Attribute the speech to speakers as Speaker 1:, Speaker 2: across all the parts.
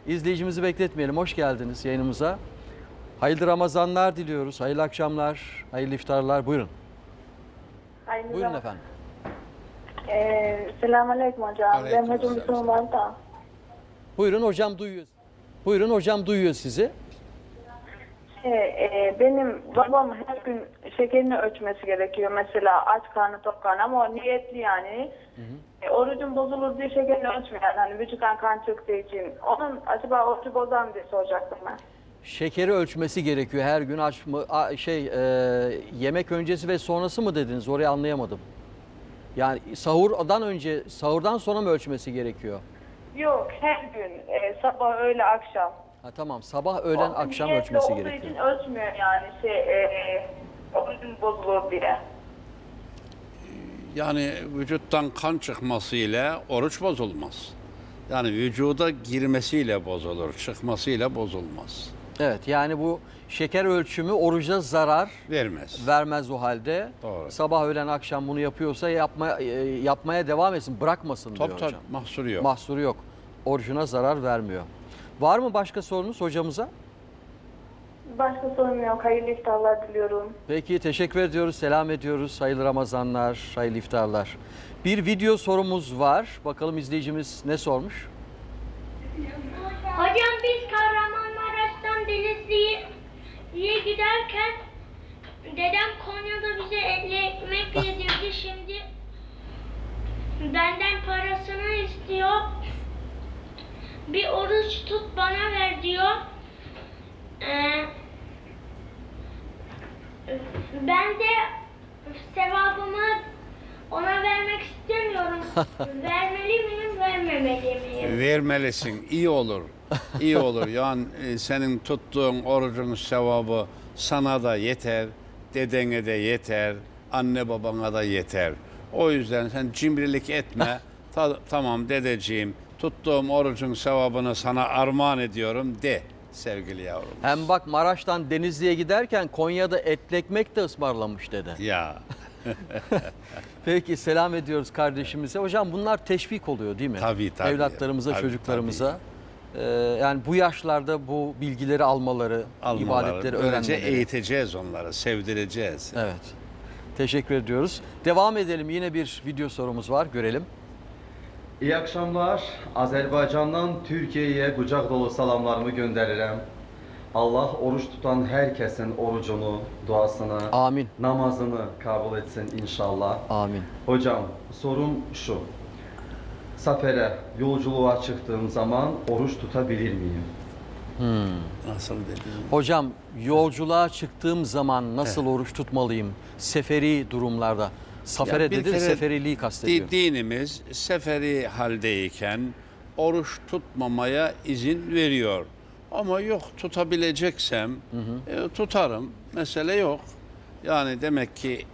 Speaker 1: İzleyicimizi bekletmeyelim. Hoş geldiniz yayınımıza. Hayırlı Ramazanlar diliyoruz. Hayırlı akşamlar, hayırlı iftarlar. Buyurun. Buyurun efendim.
Speaker 2: Selamünaleyküm hocam. Ben hocam Müslüman da.
Speaker 1: Buyurun hocam duyuyor. Buyurun hocam duyuyor sizi.
Speaker 2: Benim babam her gün şekerini ölçmesi gerekiyor. Mesela aç karnı tok karnı ama o niyetli yani. Orucum bozulur diye şekerini ölçmüyor. Yani hani vücuttan kan çıktığı için. Onun acaba orucu bozar mı diye soracaktım ben.
Speaker 1: Şekeri ölçmesi gerekiyor her gün. Yemek öncesi ve sonrası mı dediniz? Orayı anlayamadım. Yani sahurdan sonra mı ölçmesi gerekiyor?
Speaker 2: Yok, her gün sabah öğle akşam.
Speaker 1: Ha, tamam, sabah öğlen akşam ölçmesi gerekiyor.
Speaker 2: Niyetli olduğu için ölçmüyor yani orucum bozulur diye.
Speaker 3: Yani vücuttan kan çıkmasıyla oruç bozulmaz. Yani vücuda girmesiyle bozulur, çıkmasıyla bozulmaz.
Speaker 1: Evet, yani bu şeker ölçümü oruca zarar vermez o halde.
Speaker 3: Doğru.
Speaker 1: Sabah öğlen akşam bunu yapıyorsa yapmaya devam etsin, bırakmasın diyor hocam.
Speaker 3: Mahsuru yok.
Speaker 1: Mahsuru yok. Orucuna zarar vermiyor. Var mı başka sorunuz hocamıza?
Speaker 2: Başka sorun yok. Hayırlı iftarlar diliyorum.
Speaker 1: Peki, teşekkür ediyoruz, selam ediyoruz. Hayırlı Ramazanlar, hayırlı iftarlar. Bir video sorumuz var. Bakalım izleyicimiz ne sormuş?
Speaker 4: Hocam biz Kahramanmaraş'tan Denizli'ye giderken dedem Konya'da bize etli ekmek yedirdi. Şimdi benden parasını istiyor. Bir oruç tut bana ver diyor. Ben de sevabımı ona vermek istemiyorum. Vermeli miyim, vermemeli miyim?
Speaker 3: Vermelisin, iyi olur. İyi olur. Yani senin tuttuğun orucun sevabı sana da yeter, dedene de yeter, anne babana da yeter. O yüzden sen cimrilik etme. Tamam dedeciğim, tuttuğum orucun sevabını sana armağan ediyorum de sevgili yavrum.
Speaker 1: Hem bak, Maraş'tan Denizli'ye giderken Konya'da etli ekmek de ısmarlamış dede.
Speaker 3: Ya.
Speaker 1: Peki, selam ediyoruz kardeşimize. Hocam bunlar teşvik oluyor değil mi?
Speaker 3: Tabii.
Speaker 1: Evlatlarımıza,
Speaker 3: Tabii,
Speaker 1: çocuklarımıza. Yani bu yaşlarda bu bilgileri almaları, ibadetleri
Speaker 3: Böylece
Speaker 1: öğrenmeleri.
Speaker 3: eğiteceğiz onları, sevdireceğiz.
Speaker 1: Evet. Teşekkür ediyoruz. Devam edelim. Yine bir video sorumuz var. Görelim.
Speaker 5: İyi akşamlar. Azerbaycan'dan Türkiye'ye kucak dolu salamlarımı gönderirim. Allah oruç tutan herkesin orucunu, duasını,
Speaker 1: Amin.
Speaker 5: namazını kabul etsin inşallah.
Speaker 1: Amin.
Speaker 5: Hocam sorum şu. Sefere, yolculuğa çıktığım zaman oruç tutabilir miyim?
Speaker 3: Nasıl dedim?
Speaker 1: Hocam, yolculuğa çıktığım zaman nasıl oruç tutmalıyım? Seferi durumlarda. Sefere
Speaker 3: Ya bir
Speaker 1: dedi,
Speaker 3: kere
Speaker 1: seferiliği kastediyor.
Speaker 3: Dinimiz seferi haldeyken oruç tutmamaya izin veriyor. Ama yok, tutabileceksem tutarım. Mesele yok. Yani demek ki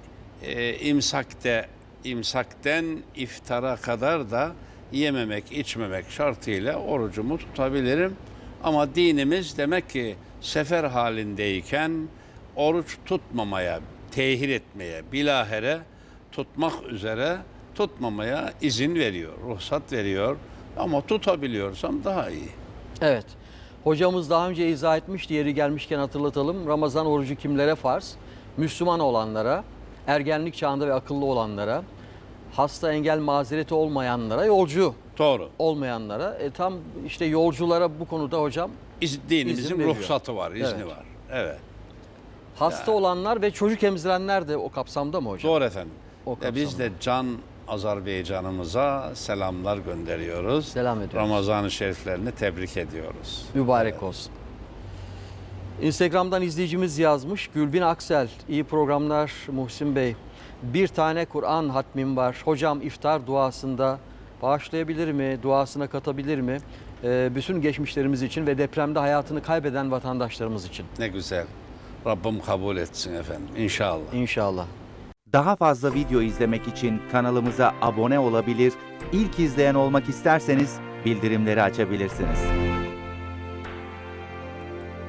Speaker 3: imsakten iftara kadar da yememek, içmemek şartıyla orucumu tutabilirim. Ama dinimiz demek ki sefer halindeyken oruç tutmamaya, tehir etmeye, bilahare tutmak üzere tutmamaya izin veriyor, ruhsat veriyor. Ama tutabiliyorsam daha iyi.
Speaker 1: Evet. Hocamız daha önce izah etmişti, yeri gelmişken hatırlatalım. Ramazan orucu kimlere farz? Müslüman olanlara, ergenlik çağında ve akıllı olanlara, hasta, engel, mazereti olmayanlara, yolcu
Speaker 3: Doğru.
Speaker 1: olmayanlara. Tam işte yolculara bu konuda hocam
Speaker 3: Dinimizin
Speaker 1: İzin veriyor.
Speaker 3: ruhsatı var, izni
Speaker 1: Evet.
Speaker 3: var. Evet.
Speaker 1: hasta olanlar ve çocuk emzirenler de o kapsamda mı hocam?
Speaker 3: Doğru efendim.
Speaker 1: O
Speaker 3: Biz de Can Azerbaycan'ımıza selamlar gönderiyoruz.
Speaker 1: Selam ediyoruz.
Speaker 3: Ramazan-ı Şeriflerini tebrik ediyoruz.
Speaker 1: Mübarek olsun. Instagram'dan izleyicimiz yazmış. Gülbin Aksel, iyi programlar Muhsin Bey. Bir tane Kur'an hatmim var. Hocam iftar duasında bağışlayabilir mi? Duasına katabilir mi? Bütün geçmişlerimiz için ve depremde hayatını kaybeden vatandaşlarımız için.
Speaker 3: Ne güzel. Rabbim kabul etsin efendim. İnşallah.
Speaker 1: İnşallah.
Speaker 6: Daha fazla video izlemek için kanalımıza abone olabilir, ilk izleyen olmak isterseniz bildirimleri açabilirsiniz.